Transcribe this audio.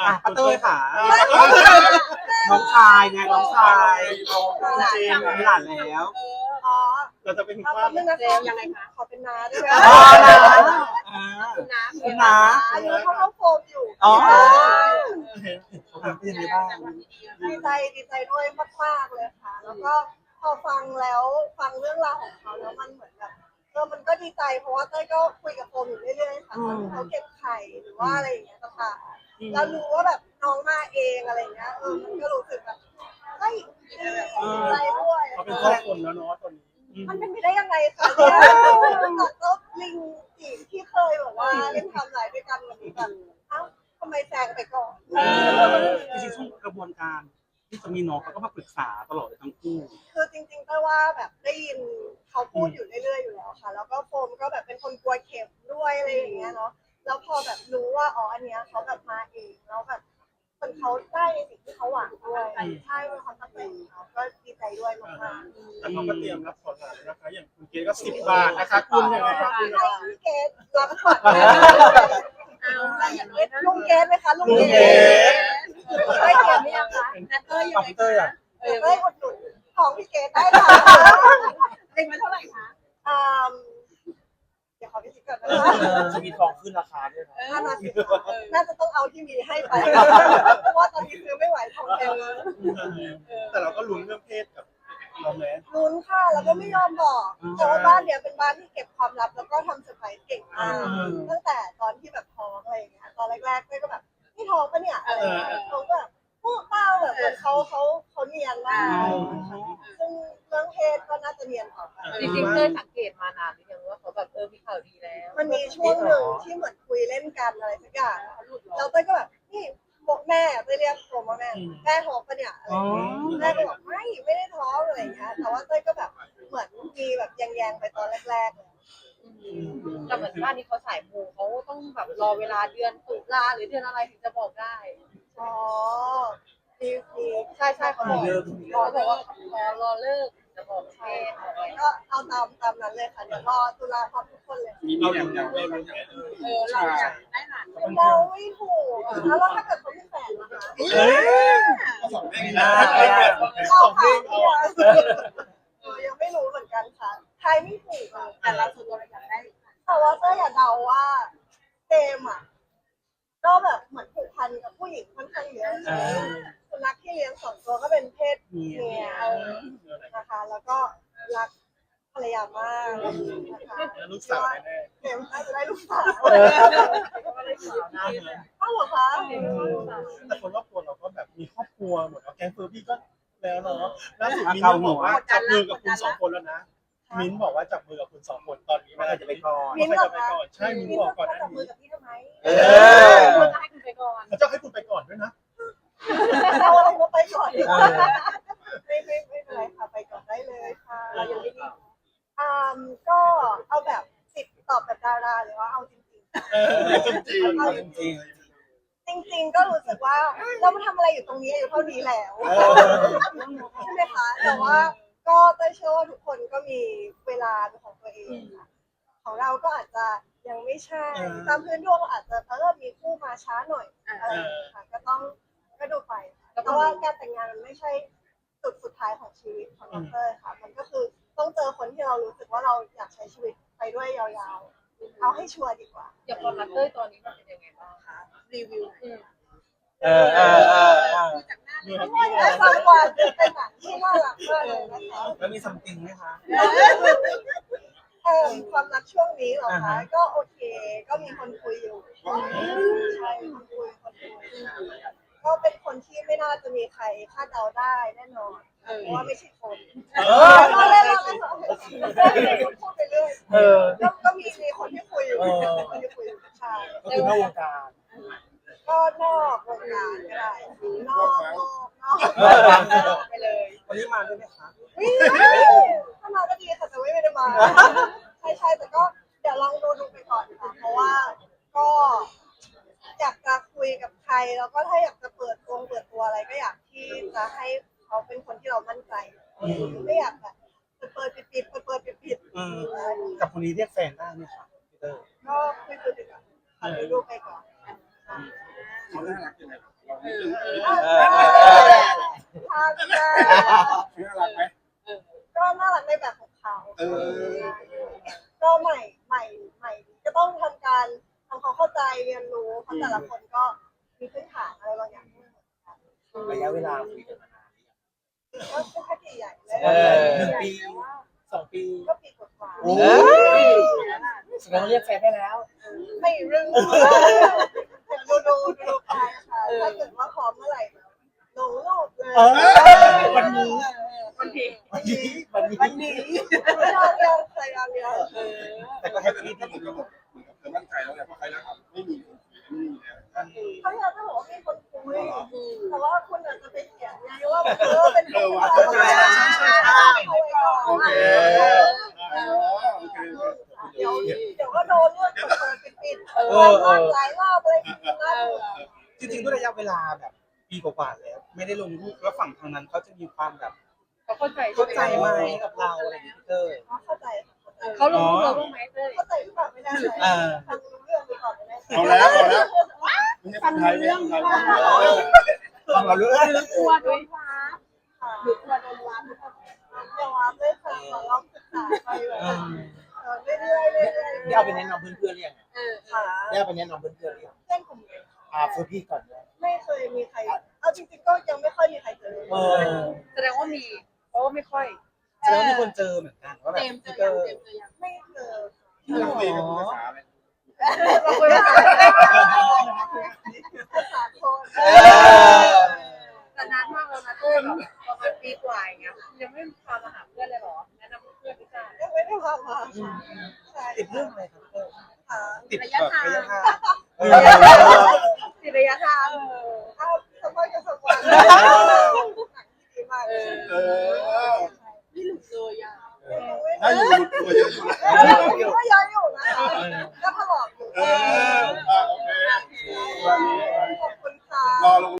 ป้าเต้ยค่ะน้องชายไงน้องชายจริงมีหลานแล้วอ๋อเราจะเป็นเอาว่าเป็นนะคะยังไงคะขอเป็นน้าด้วยอ๋อนะคุณน้าคุณน้าอายุเท่าโฟมอยู่อ๋อเขาทำเป็นยังไงบ้างดีใจด้วยมากๆเลยค่ะ แล้วก็พอฟังแล้วฟังเรื่องราวของเขาแล้วมันเหมือนแบบมันก็ดีใจเพราะว่าเต้ยก็คุยกับโฟมอยู่เรื่อยๆค่ะตอนที่เขาเก็บไข่หรือว่าอะไรอย่างเงี้ยต่างๆแล้วรู้ว่าแบบน้องมาเองอะไรเงี้ยมันก็รู้สึกแบบเฮ้ยดีใจด้วยเขาเป็นครอบครัวแล้วเนาะตอนนี้มันเป็นไปได้ยังไงคะเนี่ยก็ลิงจีที่เคยแบบว่าเล่นทำลายด้วยกันวันนี้แบบเอ้าทำไมแซงไปก่อนจริงๆช่วงกระบวนการที่จะมีน้องเขาก็มาปรึกษาตลอดเลยทั้งคู่คือจริงๆแต่ว่าแบบได้ยินเขาพูดอยู่เรื่อยๆอยู่แล้วค่ะแล้วก็โฟมก็แบบเป็นคนกลัวเข็มด้วยอะไรอย่างเงี้ยเนาะแล้วพอแบบรู้ว่าอ๋ออันเนี้ยเขาแบบมาเองแล้วแบบคนเขาได้ในสิ่งที่เขาหวังด้วยใช่เป็นความตั้งใจของเขาก็ดีใจด้วยมากๆแต่เขาก็เตรียมรับผลแล้วนะคะอย่างคุณเกดก็10 บาทนะคะคุณยังไงครับให้พี่เกดรับก่อนลุงเกดไหมคะลุงเกดไม่เกี่ยวไม่ยังคะเต้ยยังไงเต้ยอ่ะเต้ยอุดหนุนของพี่เกดได้ค่ะเล็งมาเท่าไหร่คะเดี๋ยวขอพี่คิดก่อนนะคะจะมีทองขึ้นราคาด้วยนะน่าจะต้องเอาที่มีให้ไปเพราะว่าตอนนี้ซื้อไม่ไหวทองแพงเลยแต่เราก็ลุ้นเรื่องเพศกับเราแม้ลุ้นค่ะแล้วก็ไม่ยอมบอกแต่ว่าบ้านเนี้ยเป็นบ้านที่เก็บความลับแล้วก็ทำเซอร์ไพรส์เก่งมากตั้งแต่ตอนที่แบบท้องอะไรอย่างเงี้ยตอนแรกๆก็แบบนี่ท้องปะเนี่ยอะไรอย่างเงี้ยเขาก็แบบพูดเปล่าแบบเหมือนเขาเนียนมากซึ่งเรื่องเพศก็น่าจะเนียนต่อไปจริงๆเคยสังเกตมานานหรือยังว่าเขาแบบมีข่าวดีแล้วมันมีช่วงหนึ่งที่เหมือนคุยเล่นกันอะไรสักอย่างแล้วเต้ยก็แบบนี่บอกแม่เต้ยเรียกผมว่าแม่ท้องปะเนี่ยอะไรอย่างเงี้ยแม่ก็บอกไม่ได้ท้องอะไรอย่างเงี้ยแต่ว่าเต้ยก็แบบเหมือนมีแบบแยงๆไปตอนแรกๆเลยแต่เหมือนบ้านนี้เขาสายมูเขาต้องแบบรอเวลาเดือนตุลาหรือเดือนอะไรถึงจะบอกได้อ๋อมีใช่เขาบอกเขาบอกว่ารอเลิกจะบอกเพศบอกอะไรก็เอาตามนั้นเลยค่ะเดี๋ยวรอตุลาพร้อมทุกคนเลยเราอย่างเราลุ้นเราอยากได้หลานเราไม่ถูกแล้วถ้าเกิดเขามีแฟนนะคะสองเด้งสองเด้งเอายังไม่รู้เหมือนกันค่ะใครไม่ถูกอ่ะแต่เราส่วนตัวเราอยากได้แต่ว่าเต้ยอยากเดาว่าเจมอ่ะก็แบบเหมือนผูกพันกับผู้หญิงค่อนข้างเยอะสุนัขที่เลี้ยง2 ตัวก็เป็นเพศเมียนะคะแล้วก็รักภรรยามากนะคะลูกสาวแน่เจมน่าจะได้ลูกสาวก็เลยขอนะอ้าวเหรอคะแต่คนรอบตัวเราก็แบบมีครอบครัวหมดแล้วแกงเฟอร์บี้ก็แล้วเนาะล่าสุดมิ้นบอกว่าจับมือกับคุณ2 คนแล้วนะมิ้นบอกว่าจับมือกับคุณ2 คนตอนนี้มันอาจจะไปก่อนมิ้นมันเหรอจะไปคะก่อนใช่มิ้นบอกก่อนหน้าจับมือนี้กับพี่ทำไมเขาจะให้คุณไปก่อนเขาจะให้คุณไปก่อนด้วยนะเอาอะไรมาไปก่อนดีกว่าไม่เป็นไรค่ะไปก่อนได้เลยค่ะยังไม่ดีก็เอาแบบ10 ตอบแบบดาราหรือว่าเอาจริงจริงจริงๆจริงๆก็รู้สึกว่าเรามาทำอะไรอยู่ตรงนี้อายุเท่านี้แล้วใช่ไหมคะแต่ว่าก็เต้ยเชื่อว่าทุกคนก็มีเวลาเป็นของตัวเองค่ะของเราก็อาจจะยังไม่ใช่ตามพื้นดวงอาจจะมีคู่มาช้าหน่อยอะไรอย่างเงี้ยค่ะก็ดูไปเพราะว่าการแต่งงานมันไม่ใช่จุดสุดท้ายของชีวิตของน้องเต้ยค่ะมันก็คือต้องเจอคนที่เรารู้สึกว่าเราอยากใช้ชีวิตไปด้วยยาวๆเอาให้ชัวร์ดีกว่าอย่างความรักเต้ยตอนนี้มันเป็นยังไงบ้างคะรีวิวมีทั้งหมดและสองวันเป็นหนังที่น่ารักมากเลยนะคะแล้วมีซัมติงไหมคะความรักช่วงนี้เหรอคะก็โอเค ก็มีคนคุยอยู่ใช่คนคุยก็เป็นคนที่ไม่น่าจะมีใครคาดเดาได้แน่นอนเพราะว่าไม่ใช่คนเราเล่นพูดไปเรื่อยก็มีคนที่คุยอยู่คนที่คุยอยู่ใช่ก็คือนอกวงการก็นอกวงการก็ได้นอกไปเลยวันนี้มาด้วยไหมคะถ้ามาก็ดีค่ะแต่ไม่ได้มาใช่แต่ก็เดี๋ยวลองดูไปก่อนค่ะเพราะว่าก็อยากจะคุยกับใครแล้วก็ถ้าอยากจะเปิดตัวอะไรก็อยากที่จะให้เขาเป็นคนที่เรามั่นใจไม่อยากแบบเปิดปิดกับคนนี้เรียกแฟนได้ไหมคะพีเตอร์ก็คุยไปก่อนดูไปก่อนเขาน่ารักยังไงทานได้ชื่ออะไรไหมก็น่ารักในแบบของเขาอก็ใหม่ก็ต้องทำการทำความเข้าใจเรียนรู้เพราะแต่ละคนก็มีพื้นฐานอะไรบางอย่างไม่เหมือนกันระยะเวลาคุยกันมานานก็เป็นแค่ใหญ่เลย 1 ปี 2 ปีก็ปีกว่าโอ้ยแสดงว่าเรียกแฟนได้แล้วๆไม่รึงดูไปค่ะถ้าเกิดว่าพร้อมเมื่อไหร่ลงรูปเลยวันนี้บางทีวันนี้ยอดเยี่ยมใส่ยอดเยี่ยมแต่ก็แฮปปี้ดีเหมือนกับเธอมั่นใจแล้วไงเพราะใครนะครับไม่มีแล้วเขาอยากจะบอกว่ามีคนคุยแต่ว่าคุณอาจจะไปเขียนไงว่าเป็นคนโอเคเดี๋ยวก็โดนเรื่องเปิดปิดหลายรอบเลยนะจริงๆด้วยระยะเวลาแบบปีกว่าๆแล้ว ไม่ได้ลงรูปแล้วฝั่งทางนั้นเขาจะมีความแบบเขาเข้าใจเข้าใจไหมกับเราอะไรอย่างเงี้ยพี่เตอร์เข้าใจเขาลงรูปเราบ้างไหมเต้ยเข้าใจหรือเปล่าไม่ได้ทำรู้เรื่องไปก่อนไม่ได้เอาแล้วไม่ใช่คนไทยไม่ใช่คนไทยฟังเรารู้หรือกลัวโดนฟ้าหรือกลัวโดนว้าอย่าว่าเลยค่ะลองศึกษาไปแบบเรื่อยๆได้เอาไปแนะนำเพื่อนๆหรือยังค่ะได้เอาไปแนะนำเพื่อนๆหรือยังเส้นกลุ่มเลยเพื่อนพี่ก่อนเลยไม่เคยมีใครเอาจริงๆก็ยังไม่ค่อยมีใครเจอแสดงว่ามีเพราะว่าไม่ค่อยแสดงว่ามีคนเจอเหมือนกันว่าแบบพี่เตอร์ไม่เจอเราคุยกันภาษาอะไรเราคุยภาษาภาษาโคนแต่นานมากแล้วนะเต้ยแบบประมาณปีกว่าอย่างเงี้ยยังไม่พามาหาเพื่อนเลยหรอแนะนำเพื่อนพี่จ้ายังไม่ได้พามาใช่ติดเรื่องอะไรครับพี่เตอร์ค่ะติดแบบระยะทางติดระยะทางเอาสมัยกับสมัยดีมากไม่หลุดเลยอ่ะถ้าอยู่ตัวเยอะอยู่ก็ย้อนอยู่นะคะก็ถลอกอยู่